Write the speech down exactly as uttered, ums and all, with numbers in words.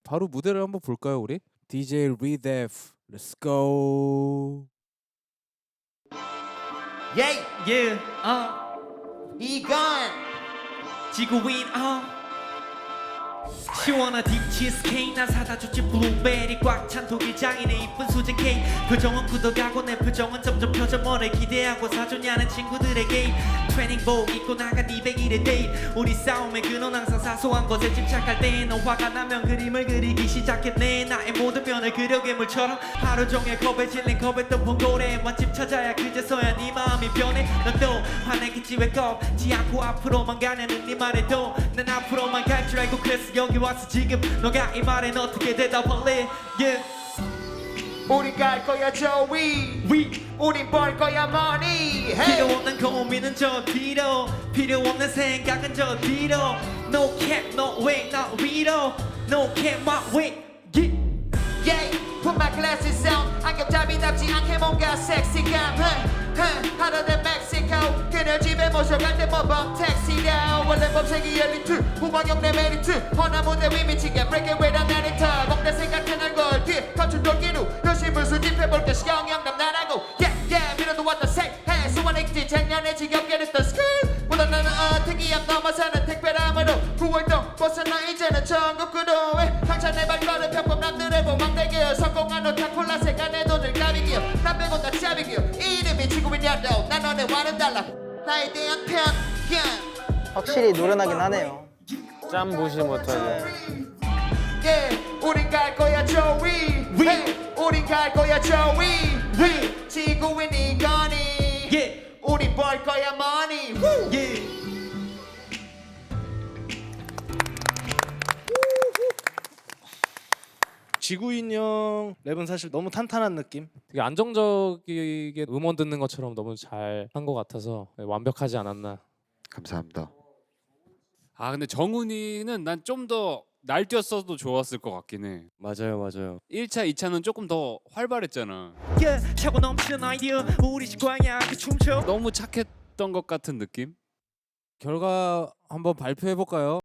바로 무대를 한번 볼까요, 우리? 디제이 리데프, let's go. 예이 Yeah, 어, 이건 지구인, 어. 시원한 딥치즈케이크 난 사다 줬지 블루베리 꽉 찬 독일장인의 이쁜 수제 케이크 표정은 굳어가고 내 표정은 점점 펴져 뭐를 기대하고 사줬냐는 친구들에게 트레이닝복 입고 나간 이백일의 데이트 우리 싸움의 근원 항상 사소한 것에 집착할 때 너 화가 나면 그림을 그리기 시작했네 나의 모든 면을 그려 괴물처럼 하루 종일 컵에 질린 컵에 떠본 고래 맛집 찾아야 그제서야 네 마음이 변해 넌 또 화내겠지 왜 꺾지 않고 앞으로만 가냐는 네 말에도 난 앞으로만 갈 줄 알고 그래서 여기 왔어 지금 너가 이 말엔 어떻게 대답할래 yeah. 우린 갈 거야 저 위 위 우린 벌 거야 money 필요 hey. 없는 고민은 저 뒤로 필요 없는 생각은 저 뒤로 No cap no way not 위로 No cap my way yeah. Yeah, put my glasses on 안경잡이답지 않게 뭔가 섹시감 하루 된 멕시코 그녀 집에 모셔갈 때 모범 택시다 원래 범색이 엘리트 후방역 내 메리트 허나 무대 위 미치게 break it with an editor 먹다 생각해 날걸 뒤에 감춘 돌기로 열심히 수집해볼게 시경영남 나라고 Yeah, yeah 밀어도 왔다 색해 수원 엑지 작년에 지겹게 됐던 스쿨 보다 나는 어 특이함 넘어서는 특별함으로 구월동 벗어나 이제는 전국구로 당찬 내 발걸음 편법 남들의 보망대기여 성공한 오타콜라 색안에 돈을 까비기여 난 빼고 다 짭이기여 이름이 지구인이야도 난 너네와는 달라 나에 대한 편견 확실히 노련하긴 하네요. 짬 보시 못하네. Yeah, 우린 갈 거야 저 위 hey, 우린 갈 거야 저 위 hey, 지구인이거니 Yeah. 우린 벌 거야 money Woo. Yeah. 지구인형 랩은 사실 너무 탄탄한 느낌. 되게 안정적이게 음원 듣는 것처럼 너무 잘 한 것 같아서 완벽하지 않았나. 감사합니다. 아 근데 정훈이는 난 좀 더 날뛰었어도 좋았을 것 같긴 해. 맞아요, 맞아요. 일 차, 이 차는 조금 더 활발했잖아. Yeah. 차고 넘치는 아이디어 우리 식광야 그 춤춰 너무 착했던 것 같은 느낌? 결과 한번 발표해 볼까요?